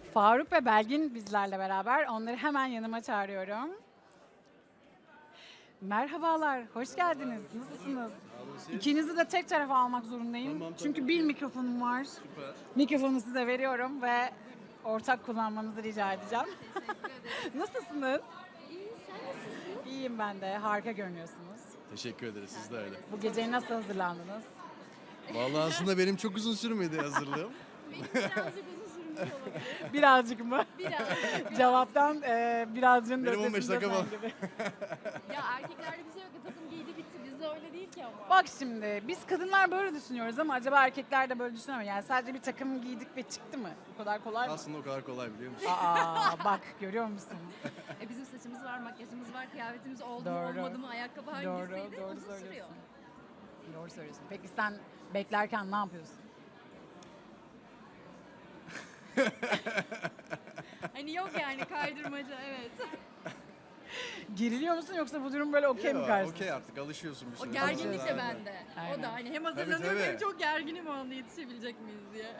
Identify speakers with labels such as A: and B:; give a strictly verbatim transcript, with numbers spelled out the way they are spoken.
A: Faruk ve Belgin bizlerle beraber. Onları hemen yanıma çağırıyorum. Merhabalar, hoş geldiniz. Nasılsınız? İkinizi de tek tarafa almak zorundayım.
B: Tamam, tabii.
A: Çünkü bir mikrofonum var.
B: Süper.
A: Mikrofonu size veriyorum ve ortak kullanmanızı rica edeceğim.
C: Teşekkür ederim.
A: Nasılsınız?
C: İyi, sen nasılsın?
A: İyiyim ben de. Harika görünüyorsunuz.
B: Teşekkür ederiz, siz de öyle.
A: Bu geceye nasıl hazırlandınız?
B: Vallahi aslında benim çok uzun sürmedi hazırlığım.
C: Benim birazcık uzun sürmüş olabilir.
A: Birazcık mı?
C: Biraz.
A: Cevaptan e, birazcığın da
B: Benim on beş
A: ötesinde
B: dakika
A: sen
B: var.
A: gibi.
C: Ya erkeklerde bir şey yok. Takım giydi bitti. Bizde öyle değil ki ama.
A: Bak şimdi biz kadınlar böyle düşünüyoruz ama acaba erkekler de böyle düşünüyor mu? Yani sadece bir takım giydik ve çıktı mı? Bu kadar kolay mı?
B: Aslında o kadar kolay biliyor musun?
A: Aa bak görüyor musun?
C: E, bizim saçımız var, makyajımız var, kıyafetimiz oldu
A: Doğru.
C: mu olmadı mı, ayakkabı
A: Doğru,
C: hangisiydi
A: doğru
C: uzun sürüyor.
A: söylüyorsun. Doğru söylüyorsun. Peki sen beklerken ne yapıyorsun?
C: Hani yok yani kaydırmaca evet.
A: Geriliyor musun yoksa bu durum böyle okey mi
B: Yok,
A: karşısında?
B: Okey artık alışıyorsun bir
C: O
B: süre.
C: gerginlik
B: sonra.
C: de bende.
A: Aynen.
C: O da hani hem hazırlanıyorum
B: tabii.
C: hem çok gerginim o anda yetişebilecek miyiz diye.